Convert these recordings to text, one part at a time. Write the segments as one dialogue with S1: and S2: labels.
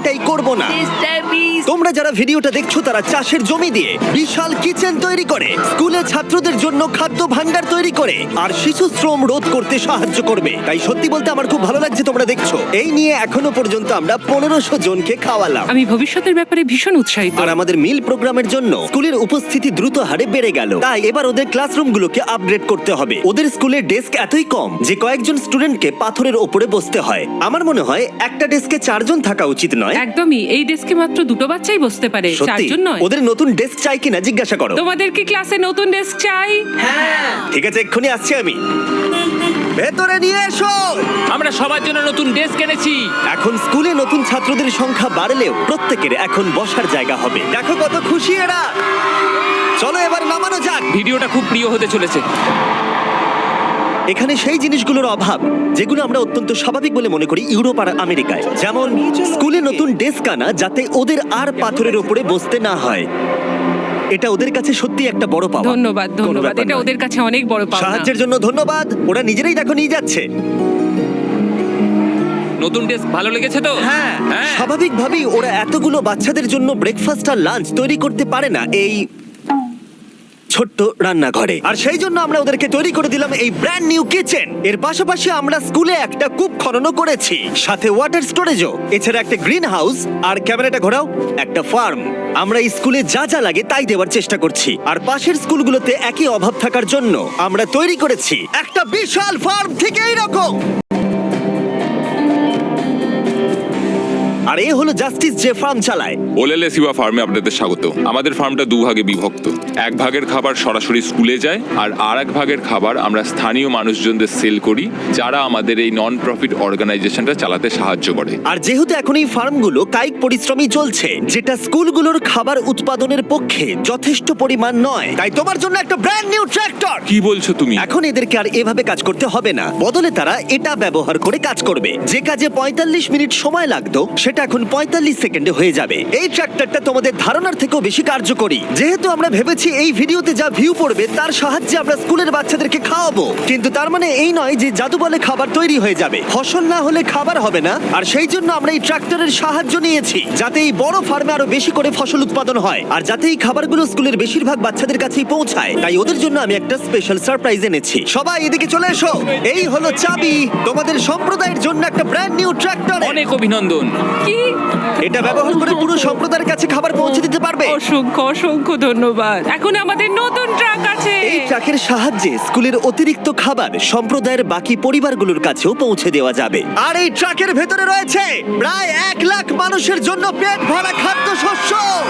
S1: এটাই করব না। তোমরা যারা ভিডিওটা দেখছো তারা চাষের জমি দিয়ে বিশাল কিচেন তৈরি করে, স্কুলে ছাত্রদের জন্য খাদ্য ভাণ্ডার তৈরি করে, আর শিশু শ্রম রোধ করতে সাহায্য করবে। তাই সত্যি বলতে আমার খুব ভালো লাগছে তোমরা দেখছো। এই নিয়ে এখনো পর্যন্ত আমরা 1500 জনকে খাওয়ালাম।
S2: আমি ভবিষ্যতের ব্যাপারে ভীষণ উৎসাহিত।
S1: আর আমাদের মিল প্রোগ্রামের জন্য স্কুলের উপস্থিতি দ্রুত হারে বেড়ে গেল। তাই এবার ওদের ক্লাসরুমগুলোকে আপগ্রেড করতে হবে। ওদের স্কুলের ডেস্ক এতই কম যে কয়েকজন স্টুডেন্টকে পাথরের ওপরে বসতে হয়। আমার মনে হয় একটা ডেস্কে 4 জন থাকা উচিত নয়?
S2: একদমই, এই ডেস্কে মাত্র 2 বাচ্চাই বসতে পারে,
S1: সত্যি?
S2: 4 জন নয়।
S1: ওদের নতুন ডেস্ক চাই কিনা জিজ্ঞাসা করো।
S2: তোমাদের কি ক্লাসে নতুন ডেস্ক চাই?
S1: ঠিক আছে, এক্ষুনি আসছি আমি। ভেতরে নিয়ে এসো।
S3: আমরা সবার জন্য নতুন ডেস্ক এনেছি।
S1: এখন স্কুলে নতুন ছাত্রদের সংখ্যা বাড়লেও প্রত্যেকের এখন বসার জায়গা হবে। দেখো কত খুশি এরা। চলো এবার নামানো যাক।
S3: ভিডিওটা খুব প্রিয় হতে চলেছে।
S1: এখানে সেই জিনিসগুলোর অভাব যেগুলো আমরা অত্যন্ত স্বাভাবিক বলে মনে করি ইউরোপ আর আমেরিকায়, যেমন স্কুলে নতুন ডেস্ক আনা যাতে ওদের আর পাথরের উপরে বসতে না হয়। এটা ওদের কাছে সত্যি একটা বড় পাওয়া।
S2: ধন্যবাদ,
S1: কোনো
S2: ধন্যবাদ।
S1: ব্যাপার
S2: এটা
S1: নয়।
S2: ওদের কাছে অনেক বড় পাওনা।
S1: সাহায্যের জন্য ধন্যবাদ। ওরা নিজেরাই দেখো নিয়ে যাচ্ছে।
S3: নতুন ডেস্ক ভালো লেগেছে তো?
S1: হ্যাঁ,
S3: হ্যাঁ।
S1: স্বাভাবিকভাবেই ওরা এতগুলো বাচ্চাদের জন্য ব্রেকফাস্ট আর লাঞ্চ তৈরি করতে পারে না এই ছোট্ট রান্নাঘরে। আর সেই জন্য আমরা ওদেরকে তৈরি করে দিলাম এই ব্র্যান্ড নিউ কিচেন। এর পাশাপাশি আমরা স্কুলে একটা কূপ খননও করেছি, সাথে ওয়াটার স্টোরেজও, এছাড়া একটা গ্রিন হাউস, আর ক্যামেরাটা ঘোরাও, একটা ফার্ম। আমরা এই স্কুলে যা যা লাগে তাই দেওয়ার চেষ্টা করছি। আর পাশের স্কুলগুলোতে একই অভাব থাকার জন্য আমরা তৈরি করেছি একটা বিশাল ফার্ম থেকে এইরকম। আর এ হলো জাস্টিস যে ফার্ম চালায়।
S4: ওলেলে সিবা ফার্মে আপনাদের স্বাগত। আমাদের ফার্মটা 2 ভাগে বিভক্ত। 1 ভাগের খাবার সরাসরি স্কুলে যায়, আর আরেক ভাগের খাবার আমরা স্থানীয় মানুষজনদের সেল করি, যারা আমাদের এই নন প্রফিট অর্গানাইজেশনটা চালাতে সাহায্য করে।
S1: আর যেহেতু এখন এই ফার্মগুলো কায়িক পরিশ্রমই চলছে, যেটা স্কুলগুলোর খাবার উৎপাদনের পক্ষে যথেষ্ট পরিমাণ নয়, তাই তোমার জন্য একটা ব্র্যান্ড নিউ ট্র্যাক্টর।
S4: কি বলছো তুমি?
S1: এখন এদেরকে আর এভাবে কাজ করতে হবে না, বদলে তারা এটা ব্যবহার করে কাজ করবে। যে কাজে 45 মিনিট সময় লাগতো সেটা এখন 45 সেকেন্ডে হয়ে যাবে। এই ট্র্যাক্টরটা তোমাদের ধারণার থেকেও বেশি কার্যকরী। যেহেতু আমরা ভেবেছি এই ভিডিওতে যা ভিউ পড়বে তার সাহায্যে আমরা স্কুলের বাচ্চাদেরকে খাওয়াবো, কিন্তু তার মানে এই নয় যে জাদু বলে খাবার তৈরি হয়ে যাবে। ফসল না হলে খাবার হবে না। আর সেই জন্য আমরা এই ট্র্যাক্টরের সাহায্য নিয়েছি, যাতে এই বড় ফার্মে আরো বেশি করে ফসল উৎপাদন হয়, আর যাতে এই খাবারগুলো স্কুলের বেশিরভাগ বাচ্চাদের কাছেই পৌঁছায়। তাই ওদের জন্য আমি একটা স্পেশাল সারপ্রাইজ এনেছি। সবাই এদিকে চলে এসো। এই হলো চাবি তোমাদের সম্প্রদায়ের জন্য একটা ব্র্যান্ড নিউ ট্র্যাক্টর।
S3: অনেক অভিনন্দন।
S2: কি?
S1: এটা ব্যবহার করে পুরো সম্প্রদায়ের কাছে খাবার পৌঁছে দিতে পারবে।
S2: অসংখ্য অসংখ্য ধন্যবাদ। এখন আমাদের নতুন ট্রাক আছে।
S1: এই ট্রাকের সাহায্যে স্কুলের অতিরিক্ত খাবার সম্প্রদায়ের বাকি পরিবারগুলোর কাছেও পৌঁছে দেওয়া যাবে। আর এই ট্রাকের ভেতরে রয়েছে প্রায় 1 লাখ মানুষের জন্য পেট ভরা খাদ্যশস্য।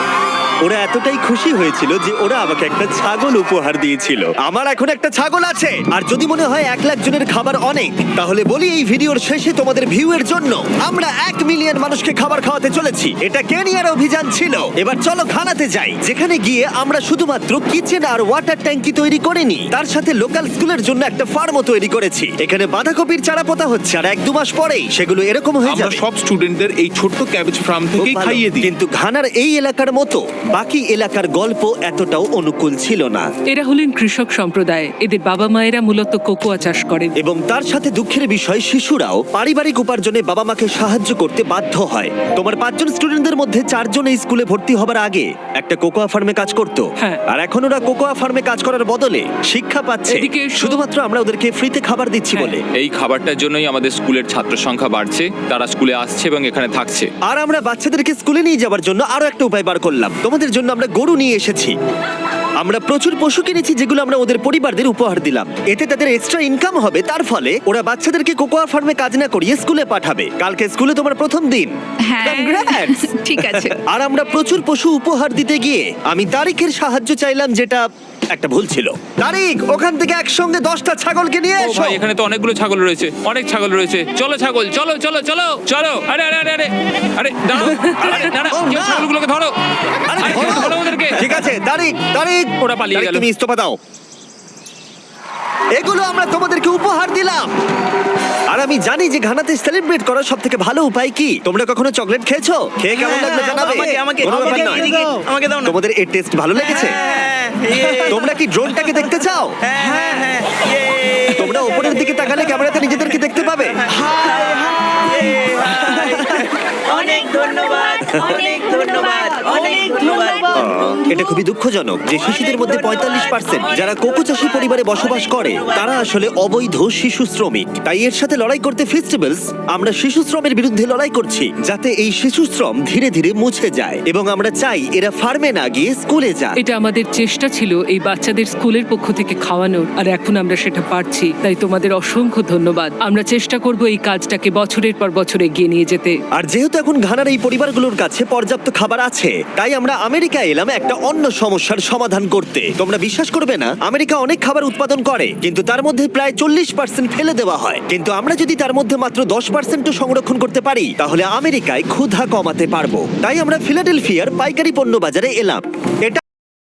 S1: ওরা এতটাই খুশি হয়েছিল যে ওরা আমাকে একটা ছাগল উপহার দিয়েছিল। আমার এখন একটা ছাগল আছে। আর যদি মনে হয় 1 লাখ জনের খাবার অনেক, তাহলে বলি এই ভিডিওর শেষে তোমাদের ভিউ এর জন্য আমরা 1 মিলিয়ন মানুষকে খাবার খাওয়াতে চলেছি। এটা কেনিয়ার অভিযান ছিল। এবার চলো ঘানাতে যাই, যেখানে গিয়ে আমরা শুধুমাত্র কিচেন আর ওয়াটার ট্যাঙ্কি তৈরি করিনি, তার সাথে লোকাল স্কুলের জন্য একটা ফার্মও তৈরি করেছি। এখানে বাঁধাকপির চারা পোতা হচ্ছে, আর 1-2 মাস পরেই সেগুলো এরকম হয়ে
S5: আমরা
S1: যাবে।
S5: সব স্টুডেন্টদের এই ছোট্ট ক্যাবেজ ফার্ম
S1: খুব
S5: থেকেই
S1: ভালো।
S5: খাইয়ে দিই।
S1: কিন্তু ঘানার এই এলাকার মতো বাকি এলাকার গল্প এতটাও অনুকূল ছিল না।
S2: এরা হলেন কৃষক সম্প্রদায়। এদের বাবা মায়েরা মূলত কোকোয়া চাষ করেন।
S1: এবং তার সাথে দুঃখের বিষয়, শিশুরাও পারিবারিক উপার্জনে বাবা মাকে সাহায্য করতে বাধ্য হয়। তোমার 5 জন স্টুডেন্টদের মধ্যে 4 জন এই স্কুলে ভর্তি হবার আগে একটা কোকোয়া ফার্মে কাজ করত।
S2: হ্যাঁ।
S1: আর এখন ওরা কোকোয়া ফার্মে কাজ করার বদলে শিক্ষা পাচ্ছে,
S2: এদিকে এসো।
S1: শুধুমাত্র আমরা ওদেরকে ফ্রিতে খাবার দিচ্ছি
S2: হ্যাঁ।
S1: বলে।
S3: এই খাবারটার জন্যই আমাদের স্কুলের ছাত্র সংখ্যা বাড়ছে, তারা স্কুলে আসছে এবং এখানে থাকছে।
S1: আর আমরা বাচ্চাদেরকে স্কুলে নিয়ে যাওয়ার জন্য আরো একটা উপায় বার করলাম। তোমাদের জন্য আমরা গরু নিয়ে এসেছি। আমরা প্রচুর পশু কিনেছি যেগুলো আমরা ওদের পরিবারদের উপহার দিলাম। এতে তাদের এক্সট্রা ইনকাম হবে, তার ফলে ওরা বাচ্চাদেরকে কোকোয়া ফার্মে কাজ না করিয়ে স্কুলে পাঠাবে। কালকে স্কুলে তোমার প্রথম দিন।
S6: হ্যাঁ।
S1: Congrats!
S6: ঠিক আছে।
S1: আর আমরা প্রচুর পশু উপহার দিতে গিয়ে আমি তারিখের সাহায্য চাইলাম, যেটা একটা ভুল ছিল। তারিখ, ওখান থেকে একসঙ্গে 10টা ছাগলকে নিয়ে
S3: ও
S1: এসো।
S3: ভাই, এখানে তো অনেকগুলো ছাগল রয়েছে, অনেক ছাগল রয়েছে। চলো ছাগল, চলো চলো চলো চলো। আরে আরে আরে আরে আরে দাঁড়াও, আরে দাঁড়াও,
S1: ও,
S3: কেউ
S1: না।
S3: ছাগলগুলোকে ধরো।
S1: আরে
S3: আরে
S1: ধরো।
S3: ধরো ওদেরকে।
S1: ঠিক আছে তারিখ, তারিখ,
S3: ওরা পালিয়ে
S1: তারিখ,
S3: গেল।
S1: তুমি ইস্তফা দাও। এগুলো আমরা তোমাদেরকে উপহার দিলাম। আর আমি জানি যে ঘানাতে সেলিব্রেট করার সব থেকে ভালো উপায় কি। তোমরা কখনো চকলেট খেয়েছো? খেয়ে কেমন লাগলো জানাবে। কোনো ব্যাপার নয়। তোমাদের এর টেস্ট ভালো লেগেছে? তোমরা কি ড্রোনটাকে দেখতে চাও? তোমরা উপরের দিকে তাকালে ক্যামেরাতে নিজেদেরকে দেখতে পাবে।
S7: অনেক
S6: ধন্যবাদ, অনেক ধন্যবাদ, অনেক ধন্যবাদ।
S1: এটা খুবই দুঃখজনক যে শিশুদের মধ্যে 45% যারা কোকো চাষী পরিবারে বসবাস করে তারা আসলে অবৈধ শিশু শ্রমিক। তাই এর সাথে লড়াই করতে ফেস্টিভ্যালস আমরা শিশু শ্রমের বিরুদ্ধে লড়াই করছি, যাতে এই শিশু শ্রম ধীরে ধীরে মুছে যায় এবং আমরা চাই এরা ফার্মে না গিয়ে স্কুলে যাক।
S2: এটা আমাদের চেষ্টা ছিল এই বাচ্চাদের স্কুলের পক্ষ থেকে খাওয়ানোর, আর এখন আমরা সেটা পারছি। তাই তোমাদের অসংখ্য ধন্যবাদ। আমরা চেষ্টা করব এই কাজটাকে বছরের পর বছর এগিয়ে নিয়ে যেতে।
S1: আর যেহেতু এখন ঘানার এই পরিবারগুলোর কাছে পর্যাপ্ত খাবার আছে, তাই আমরা আমেরিকা এলাম একটা অন্য সমস্যার সমাধান করতে। তোমরা বিশ্বাস করবে না, আমেরিকা অনেক খাবার উৎপাদন করে কিন্তু তার মধ্যে প্রায় 40% ফেলে দেওয়া হয়। কিন্তু আমরা যদি তার মধ্যে মাত্র 10% সংরক্ষণ করতে পারি তাহলে আমেরিকায় ক্ষুধা কমাতে পারবো। তাই আমরা ফিলাডেলফিয়ার পাইকারি পণ্য বাজারে এলাম। এটা